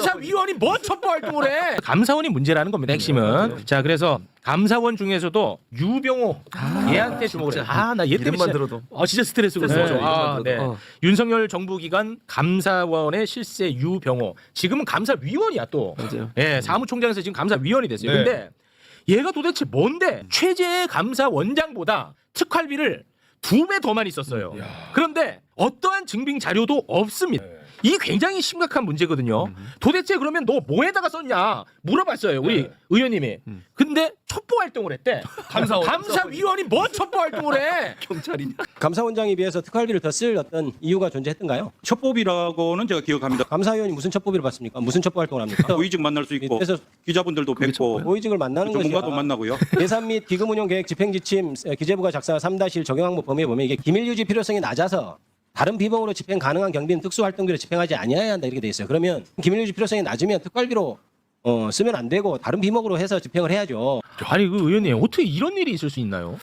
감사위원이 뭐 첩보 활동을 해? 감사원이 문제라는 겁니다. 핵심은. 자, 그래서 감사원 중에서도 유병호 얘한테 주목을 해. 나 얘 때문에 이름만 진짜, 들어도. 진짜 스트레스거든요. 스트레스죠, 이름만 네. 들어도. 윤석열 정부 기간 감사원의 실세 유병호. 지금은 감사위원이야 또. 맞아요. 예, 사무총장에서 지금 감사위원이 됐어요. 네. 근데 얘가 도대체 뭔데 최재 감사원장보다 특활비를 2배 더 많이 썼어요. 그런데 어떠한 증빙 자료도 없습니다. 이 굉장히 심각한 문제거든요. 도대체 그러면 너 뭐에다가 썼냐 물어봤어요 우리 의원님이. 근데 첩보 활동을 했대. 감사위원이 뭐 첩보 활동을 해? 경찰이냐? 감사원장에 비해서 특활비를 더 쓸 어떤 이유가 존재했던가요? 첩보비라고는 제가 기억합니다. 감사위원이 무슨 첩보비를 받습니까? 무슨 첩보 활동을 합니까? 고위직 만날 수 있고 그래서 기자분들도 뵙고 고위직을 만나는 것이 전문가도 만나고요. 예산 및 기금 운용 계획 집행 지침 기재부가 작성한 3-1 적용 항목 범위에 보면 이게 기밀 유지 필요성이 낮아서 다른 비범으로 집행 가능한 경비는 특수 활동비로 집행하지 아니해야 한다 이렇게 돼 있어요. 그러면 기밀 유지 필요성이 낮으면 특활비로 쓰면 안 되고 다른 비목으로 해서 집행을 해야죠. 아니 그 의원님 어떻게 이런 일이 있을 수 있나요?